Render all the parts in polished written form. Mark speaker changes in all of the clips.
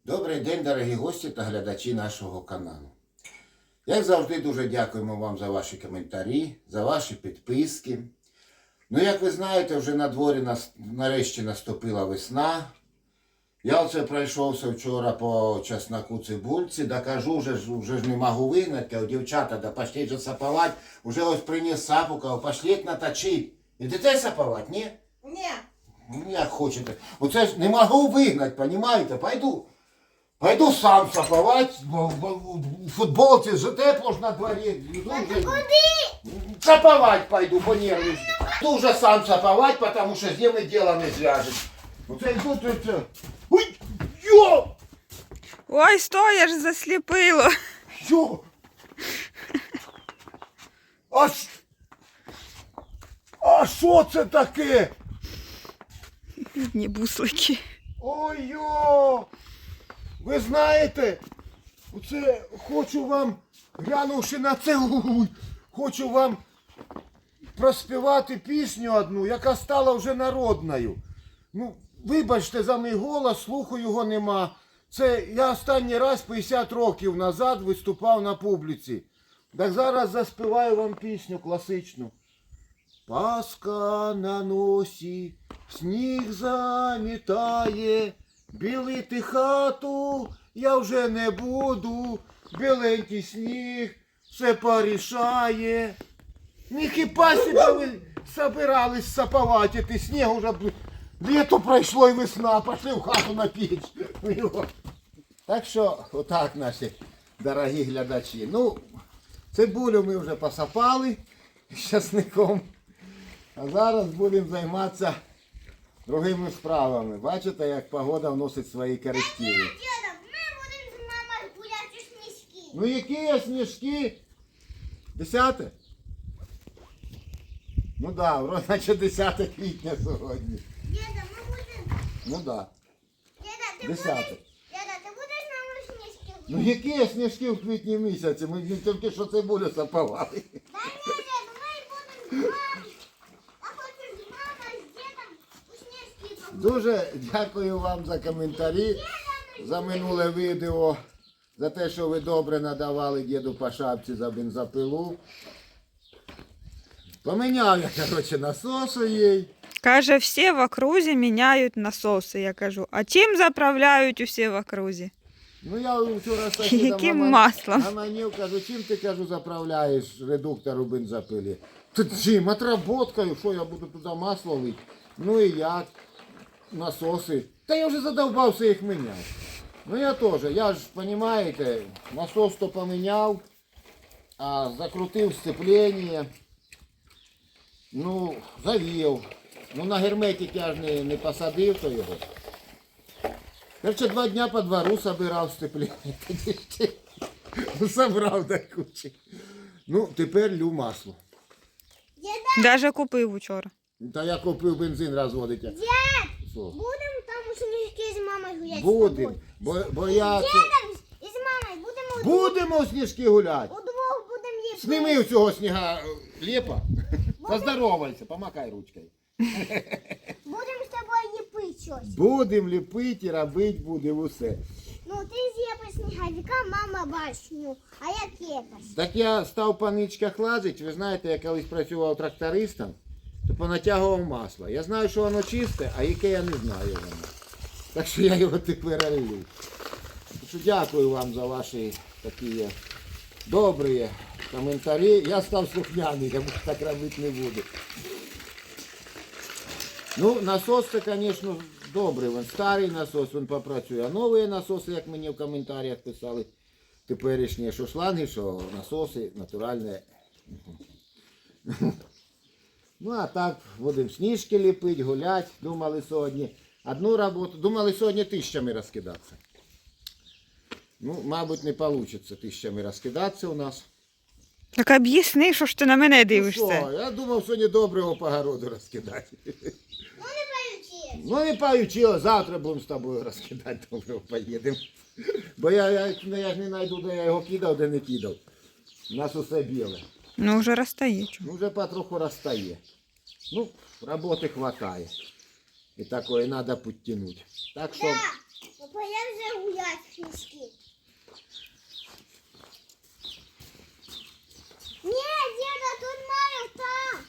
Speaker 1: Добрий день, дорогі гості та глядачі нашого каналу. Як завжди, дуже дякуємо вам за ваші коментарі, за ваші підписки. Ну, як ви знаєте, вже на дворі нарешті наступила весна. Я оце пройшовся вчора по чесноку цибульці, да кажу, вже ж не можу вигнати, кажу, дівчата, да пошліть же сапувати, вже ось приніс сапу, кажу, пошліть наточить. Ідете сапувати, ні?
Speaker 2: Ні.
Speaker 1: Ну, як хочете. Оце ж не можу вигнати, розумієте, Пойду сам сапувати, в футболці, вже тепло ж на дворі.
Speaker 2: Куди?
Speaker 1: Сапувати пойду, бо нервничаю. Дуже сам сапувати, тому що з ними діло не зв'яжеш. Оце йду, це. Ой, йо!
Speaker 3: Ой, стой, я ж засліпило.
Speaker 1: Йо! А що це таке?
Speaker 3: Бідні буслики.
Speaker 1: Ой-йо! Ви знаєте, оце хочу вам, глянувши на це, хочу вам проспівати пісню одну, яка стала вже народною. Ну, вибачте за мій голос, слуху його нема. Це я останній раз 50 років назад виступав на публіці. Так зараз заспіваю вам пісню класичну. Паска на носі, сніг замітає, білити хату я вже не буду, біленький сніг все порішає. Ніхіба себе ви собирались сапувати, ти сніг уже літо пройшло і весна, пішли в хату на піч. Так що, отак наші дорогі глядачі. Ну, цибулю ми вже посапали з часником. А зараз будемо займатися другими справами. Бачите, як погода вносить свої корективи.
Speaker 2: Діда, ми будемо з мамою гуляти у сніжки.
Speaker 1: Ну які сніжки? 10? Ну да, вроде наче 10 квітня сьогодні.
Speaker 2: Діда, ми будемо...
Speaker 1: Ну да,
Speaker 2: Діда, ти
Speaker 1: 10.
Speaker 2: будеш... Діда, ти будеш з нами у сніжки гуляти?
Speaker 1: Ну які сніжки в квітні місяці? Ми тільки що цибулю сапавали.
Speaker 2: Та ні, діда, ми будемо з мамою. Я хочу з мамою, з дідом у сніжки погуляти.
Speaker 1: Дуже дякую вам за коментарі, за минуле відео, за те, що ви добре надавали діду по шапці за бензопилу. Поміняв я, коротше, насосу їй.
Speaker 3: Каже, всі в окрузі міняють насоси, я кажу. А чим заправляють усі в окрузі?
Speaker 1: Ну я вчора з сусідом
Speaker 3: Яким маслом?
Speaker 1: гаманів, кажу, чим ти, кажу, заправляєш редуктор у бензопилі? Та чим, отработкою, що я буду туди масло лити? Ну і як? Насоси. Та я вже задовбався їх міняти. Ну я теж, я ж, розумієте, насос то поміняв, а закрутив сцеплення, ну, завів. Ну на герметик я ж не посадив то його. Короче, 2 дня по двору собирав сцеплення. Собрав до кучі. Ну, тепер лю масло.
Speaker 2: Діда,
Speaker 3: Даже купив учора.
Speaker 1: Та я купив бензин розводити.
Speaker 2: дід,
Speaker 1: Що?
Speaker 2: будемо там у сніжки з мамою гуляти?
Speaker 1: Будем. Бо я...
Speaker 2: Дідом і з мамою будемо
Speaker 1: Будемо у сніжки гуляти.
Speaker 2: удвох будемо їсти.
Speaker 1: Сними у цього сніга лепа. Поздоровайся, помакай ручкою.
Speaker 2: Будемо з тобою ліпити щось.
Speaker 1: Будемо ліпити і робити будемо усе.
Speaker 2: Ну, ти з'єпиш сніговика, мама башню, а я кепиш.
Speaker 1: Так я став по ничках лазити. Ви знаєте, я колись працював трактористом, то понатягував масло. Я знаю, що воно чисте, а яке я не знаю воно. Так що я його тепер лью. Так що дякую вам за ваші такі добрі коментарі. Я став слухняний, я більше так робити не буду. Ну, насос це, звісно, добрий. Він старий насос, він попрацює. А нові насоси, як мені в коментарях писали, теперішні, що шланги, що насоси натуральні. Ну, а так, будемо сніжки ліпити, гуляти. Думали сьогодні одну роботу. Думали сьогодні тисячами розкидатися. Ну, мабуть, не вийде тисячами розкидатися у нас.
Speaker 3: Так об'ясни, що ж ти на мене
Speaker 1: Ну,
Speaker 3: дивишся.
Speaker 1: що, я думав сьогодні доброго по городу розкидати.
Speaker 2: Ну, не поючи.
Speaker 1: Ну не поючило, завтра будемо з тобою розкидати, добре, поїдемо. Бо я ж не знайду, де я його кидав, де не кидав. У нас усе біле.
Speaker 3: Ну, вже розтає.
Speaker 1: Ну вже потроху розстає. Ну, роботи хватає. І такої треба підтягнути. Так що
Speaker 2: Папа, я вже гулять в снежки. Ні, деда, тут має там.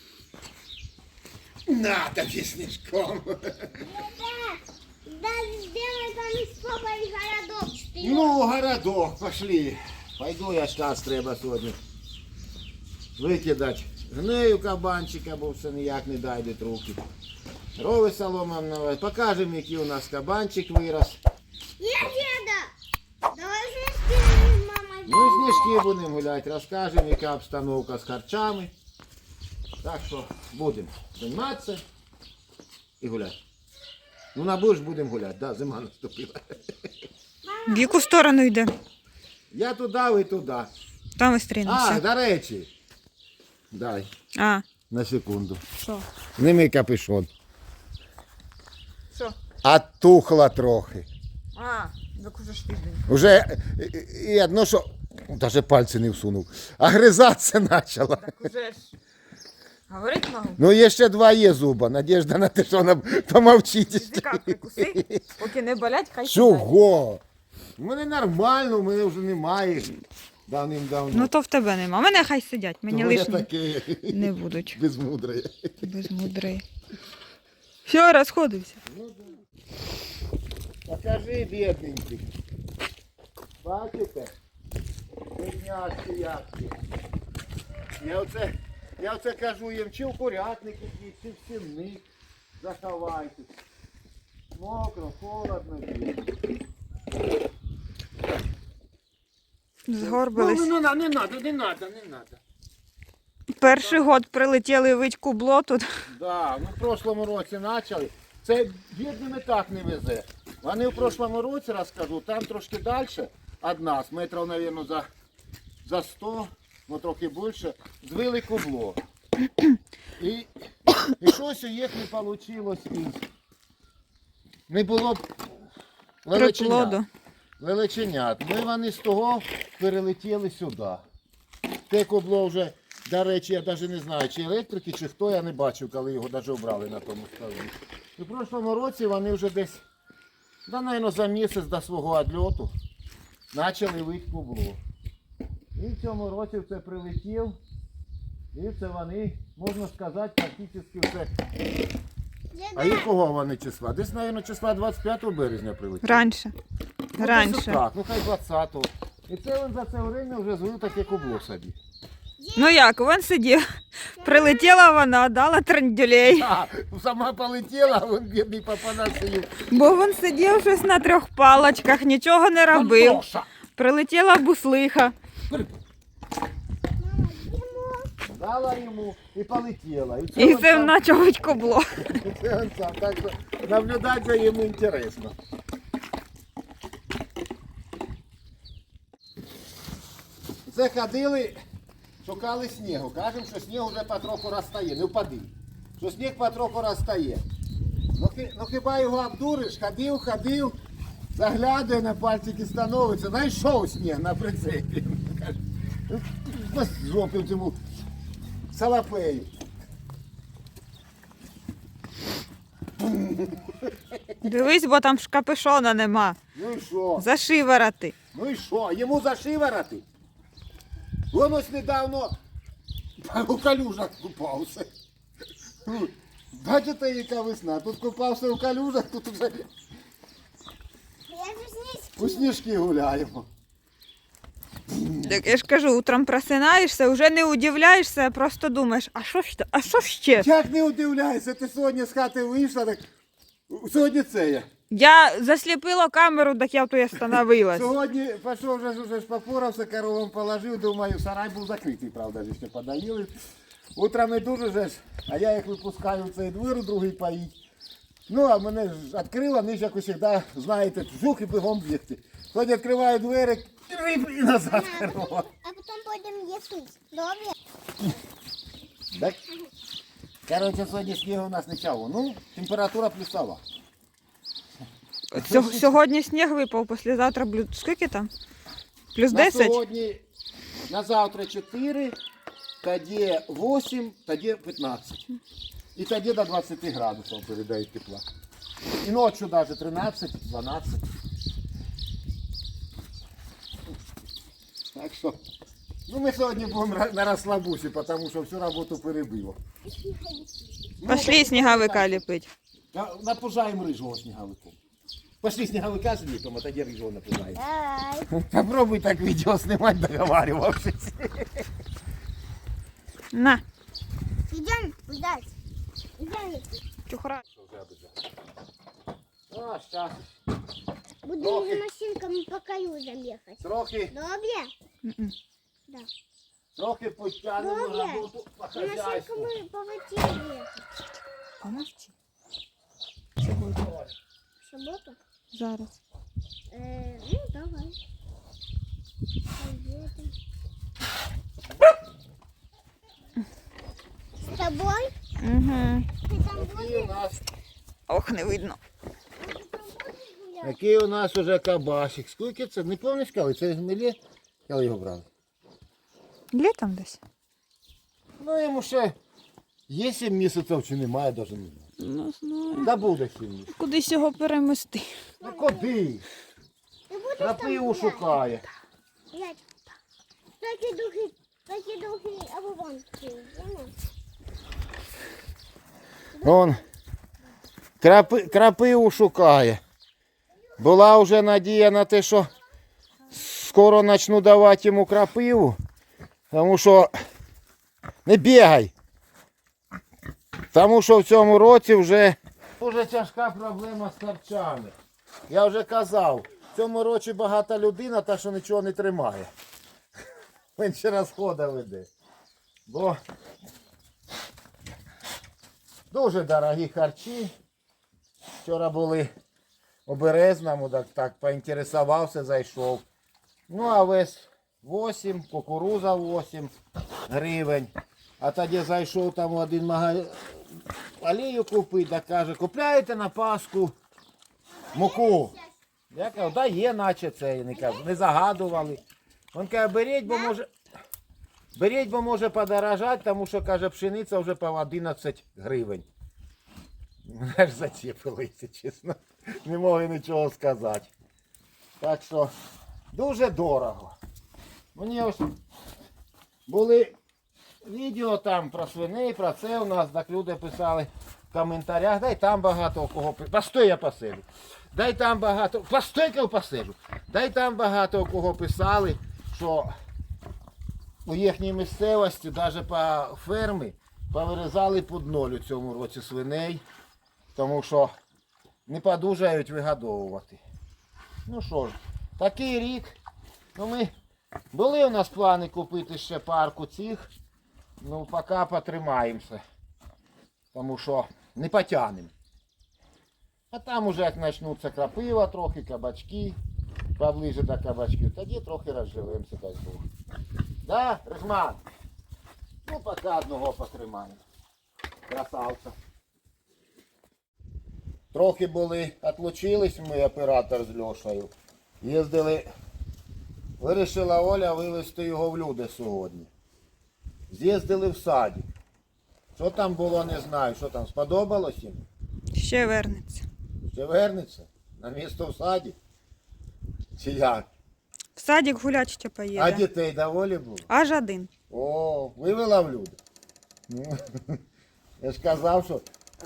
Speaker 1: На тобі снежком.
Speaker 2: Деда, да, сделай там із папою городок.
Speaker 1: Ну, городок, пошли. Пойду я зараз треба сьогодні викидати гнею кабанчика, бо все ніяк не дійдуть руки. Рови соломом наводь. Покажемо, який у нас кабанчик вирос.
Speaker 2: Ні, деда, давай снежки з мамою.
Speaker 1: Ну і сніжки будемо гуляти, розкажемо, яка обстановка з харчами. Так що будемо займатися і гуляти. Ну на будеш будемо гуляти, да, зима наступила.
Speaker 3: В яку сторону йде?
Speaker 1: Я туди, ви туди.
Speaker 3: Там і
Speaker 1: А,
Speaker 3: стрінемося.
Speaker 1: до речі. Дай,
Speaker 3: А,
Speaker 1: на секунду.
Speaker 3: що?
Speaker 1: Зніми капюшон.
Speaker 3: Що?
Speaker 1: А тухла трохи.
Speaker 3: А, так уже ж тиждень.
Speaker 1: Уже і одно, що навіть пальці не всунув. А гризатися почала.
Speaker 3: Так уже ж. Говорить можу?
Speaker 1: Ну, є ще два є зуба. Надіжда на те, що вона помовчить.
Speaker 3: Язика прикуси, поки не болять, хай сідає.
Speaker 1: Чого? У мене нормально, у мене вже немає. Давним-давно.
Speaker 3: Ну то в тебе нема. Мене хай сидять, мені
Speaker 1: Тому я
Speaker 3: лишні
Speaker 1: таке
Speaker 3: не будуть.
Speaker 1: безмудре.
Speaker 3: Безмудрий. Все, розходився.
Speaker 1: Покажи, бідненький. Бачите? Бідняшки ясні. Я оце кажу їм, чи в курятник ідіть, чи в сінник. Заховайтесь. Мокро, холодно.
Speaker 3: Згорбились.
Speaker 1: Ну, не надо.
Speaker 3: Перший год прилетіли вить кубло тут.
Speaker 1: Да, ну в прошлому році почали. Це бідним і так не везе. Вони в прошлому році, розкажу, там трошки далі від нас, метрів, мабуть, за 100, ну трохи більше, звили кубло. І щось у їх не вийшло не було
Speaker 3: Приплоду.
Speaker 1: величенят. Ну і вони з того перелетіли сюди. Те кубло вже, до речі, я навіть не знаю, чи електрики, чи хто, я не бачив, коли його навіть обрали на тому ставі. У прошлому році вони вже десь, мабуть, за місяць до свого відльоту почали вити кубло. І в цьому році це прилетів, і це вони, можна сказати, практично все. А якого вони числа? Десь, мабуть, числа 25 березня прилетів.
Speaker 3: Раніше.
Speaker 1: Ну,
Speaker 3: Раніше.
Speaker 1: десь так, ну хай 20-го. І це він за це время вже звив таке кубло собі.
Speaker 3: Ну як, він сидів. Прилетіла вона, дала трендюлей.
Speaker 1: А, сама полетіла, а він бідний папана сидів.
Speaker 3: Бо він сидів щось на 3 палочках, нічого не робив.
Speaker 1: Антоша!
Speaker 3: Прилетіла буслиха.
Speaker 1: Дала йому і полетіла. І
Speaker 3: І
Speaker 1: він
Speaker 3: це
Speaker 1: сам-
Speaker 3: почав вить кубло.
Speaker 1: і це він сам. Так що наблюдати за йому інтересно. Це ходили, шукали снігу. Кажемо, що сніг вже потроху розтає. Не впади. Що сніг потроху розтає. Ну хіба його обдуриш? Ходив, заглядує на пальчики, становиться. Знайшов сніг на прицепі. Зробив цьому салапею.
Speaker 3: Дивись, бо там ж капюшона нема.
Speaker 1: Ну і що?
Speaker 3: За шивороти.
Speaker 1: Ну і що? Йому за шивороти? Він ось недавно у калюжах купався. Бачите, яка весна? Тут купався у калюжах, тут вже
Speaker 2: Я же снежки.
Speaker 1: у сніжки гуляємо.
Speaker 3: Так я ж кажу, утром просинаєшся, вже не удивляєшся, а просто думаєш, а що ще?
Speaker 1: Як не удивляйся, ти сьогодні з хати вийшла, так сьогодні це я.
Speaker 3: Я засліпила камеру, так я то і остановилась.
Speaker 1: Сьогодні пішов, вже ж попорався, коровам положив, думаю, сарай був закритий, правда, ще подоїли. Утром не дуже же ж, а я їх випускаю в цей двір, другий поїть. Ну, а мене ж відкрила, вони ж, як завжди, знаєте, жух і бігом бігти. Сьогодні відкриваю двері і назад корова.
Speaker 2: А потом пойдем есть. Добре?
Speaker 1: Так? Коротше, сьогодні снігу у нас нічого. Ну, температура плюсова.
Speaker 3: Сьогодні сніг випав, післязавтра скільки там? Плюс
Speaker 1: На
Speaker 3: 10?
Speaker 1: сьогодні, на завтра 4, тоді 8, тоді 15. І тоді до 20 градусів передають тепла. І ночью даже 13-12. Так що, ну ми сьогодні будемо на розслабусі, тому що всю роботу перебило.
Speaker 3: Пошли сніговика ліпить.
Speaker 1: Напужаємо рижого сніговиком. Пошли сніговика з літом, а тоді рижого напужаємо.
Speaker 2: Давай.
Speaker 1: Попробуй так відео знімати, договарювавшись.
Speaker 3: На,
Speaker 2: Идем гулять. Идем.
Speaker 3: чухра.
Speaker 1: А, щас.
Speaker 2: Буду
Speaker 1: Трохи.
Speaker 2: за машинками по каюзам ехать.
Speaker 1: Трохи,
Speaker 2: Добре?
Speaker 3: М-м.
Speaker 2: Да.
Speaker 1: трохи потягнемо
Speaker 2: Добре.
Speaker 1: роботу по
Speaker 2: За
Speaker 1: хазяйству.
Speaker 2: машинками по воде ехать.
Speaker 3: Помовчи. Сьогодні.
Speaker 2: В субботу?
Speaker 3: Зараз.
Speaker 2: Ну, давай. Поедем. С тобой?
Speaker 3: Угу.
Speaker 2: Ты там
Speaker 1: Такий у
Speaker 2: будешь?
Speaker 1: нас,
Speaker 3: Ох, не видно.
Speaker 2: Ты там будешь гулять?
Speaker 1: такий у нас уже кабасик. Скільки це? Не пам'ятаєш, коли? Це милі? Коли його брали?
Speaker 3: Літом десь.
Speaker 1: Ну йому ще є 7 місяців чи немає, навіть не знаю.
Speaker 3: Не знаю.
Speaker 1: Та буде 7 місяців.
Speaker 3: Кудись його перемести.
Speaker 1: Ну куди?
Speaker 2: Ты будешь
Speaker 1: Крапиву
Speaker 2: гулять?
Speaker 1: шукає.
Speaker 2: Гулять. Такі духи обуванки.
Speaker 1: Вон крапиву шукає. Була вже надія на те, що скоро почну давати йому крапиву. Тому що не бігай. Тому що в цьому році вже дуже тяжка проблема з харчами. Я вже казав, в цьому році багата людина, та що нічого не тримає. Менше розходи веде. Бо дуже дорогі харчі. Вчора були у Березному, так поінтересувався, зайшов. Ну а весь 8, кукуруза 8 гривень. А тоді зайшов там в один магазин олію купити, так каже, купляєте на Пасху муку. Я кажу, да є, наче це, я не кажу, не загадували. Він каже, беріть, бо може подорожати, тому що, каже, пшениця вже по 11 гривень. Мене ж зачепилися, чесно. Не можу нічого сказати. Так що, дуже дорого. Мені ось були відео там про свиней, про це у нас, так люди писали в коментарях, дай там багато у кого... Постой, я посиджу. Дай там багато... Постой, я посиджу. Дай там багато у кого писали, що у їхній місцевості, навіть по фермі, повирізали під ноль у цьому році свиней, тому що не подужають вигодовувати. Ну що ж, такий рік. Ну ми... Були у нас плани купити ще парку цих, ну поки потримаємося, тому що не потягнемо. А там уже як почнуться крапива трохи, кабачки, поближе до кабачків, тоді трохи розживемося, дай Бог. Да, Рихман? Ну поки одного потримаємо. Красавця. Трохи були, отлучились ми, оператор з Льошею. Їздили. Вирішила Оля вивезти його в люди сьогодні. З'їздили в садик. Що там було, не знаю. Що там, сподобалось їм?
Speaker 3: Ще вернеться.
Speaker 1: Ще вернеться? На місто в саді? Чи як?
Speaker 3: В садик гулять ще
Speaker 1: А
Speaker 3: поїде.
Speaker 1: дітей доволі було?
Speaker 3: Аж один.
Speaker 1: О, вивела в люди. Ну, я ж казав, що...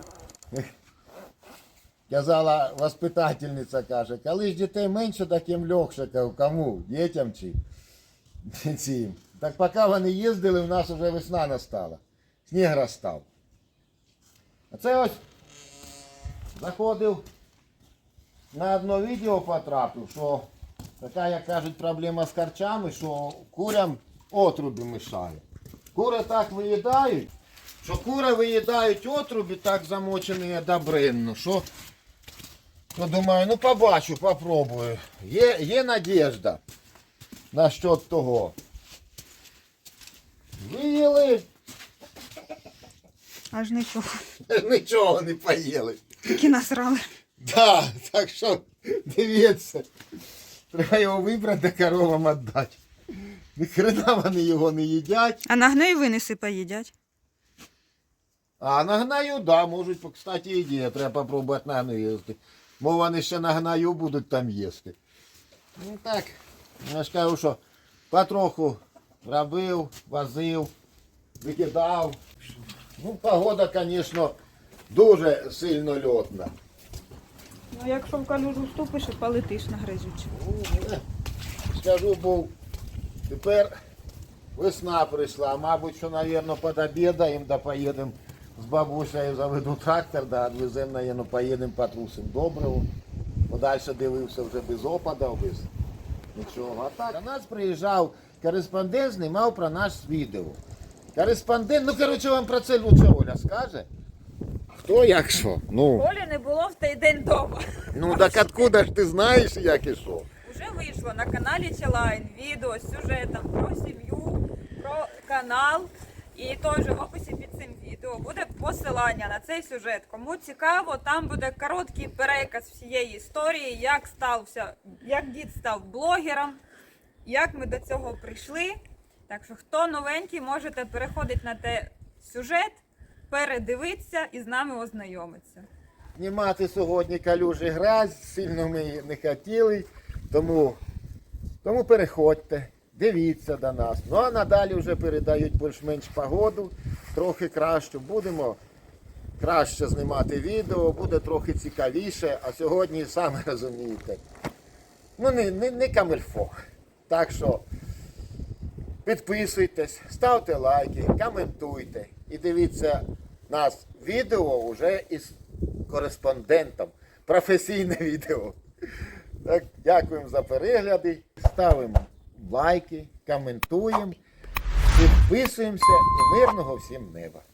Speaker 1: Казала воспитательниця, каже, коли ж дітей менше, так їм легше. Кажу, кому? Дітям чи цим? Так поки вони їздили, у нас вже весна настала. Сніг розстав. А це ось заходив на одне відео потрапив, що така, як кажуть, проблема з харчами, що курям отруби мішає. Кури так виїдають, що кури виїдають отруби так замочені добренно, що ну, думаю, ну побачу, попробую. Є надіжда на що того. Виїли,
Speaker 3: Аж нічого.
Speaker 1: нічого не поїли.
Speaker 3: Тільки насрали.
Speaker 1: Да, так що дивіться. Треба його вибрати, коровам віддати. Ні хрена вони його не їдять.
Speaker 3: А на гной винеси поїдять.
Speaker 1: А на гнаю, да, можуть, кстати, ідея, треба попробувати на гнаю їсти. Мов вони ще на гнаю будуть там їсти. Ну так, я ж кажу, що потроху робив, возив, викидав. Ну, погода, звісно, дуже сильно льотна.
Speaker 3: Ну, якщо в калюжу вступиш і полетиш на гризючі.
Speaker 1: Ну, скажу, бо тепер весна прийшла, мабуть, що, мабуть, під обідаємо, да поїдемо з бабусею, заведу трактор, да відвеземо, мабуть, поїдемо потрусимо доброго. Подальше дивився вже без опадів, без нічого. А так, до нас приїжджав кореспондент, знімав про наш відео. Кореспондент, ну, коротше, вам про це лучше Оля скаже. Хто як що? Ну,
Speaker 3: Олі не було в той день вдома.
Speaker 1: ну так откуда ж ти знаєш, як і що?
Speaker 3: Уже вийшло на каналі Челайн відео з сюжетом про сім'ю, про канал. І теж в описі під цим відео буде посилання на цей сюжет. Кому цікаво, там буде короткий переказ всієї історії, як дід став блогером, як ми до цього прийшли. Так що, хто новенький, можете переходити на той сюжет, передивитися і з нами ознайомитися.
Speaker 1: Знімати сьогодні калюжі грязь, сильно ми не хотіли, тому переходьте, дивіться до нас. Ну а надалі вже передають більш-менш погоду, трохи краще. Будемо краще знімати відео, буде трохи цікавіше, а сьогодні, самі розумієте, ну не камильфо. Так що підписуйтесь, ставте лайки, коментуйте і дивіться нас відео вже із кореспондентом. Професійне відео. Так, дякуємо за перегляди. Ставимо лайки, коментуємо, підписуємося і мирного всім неба.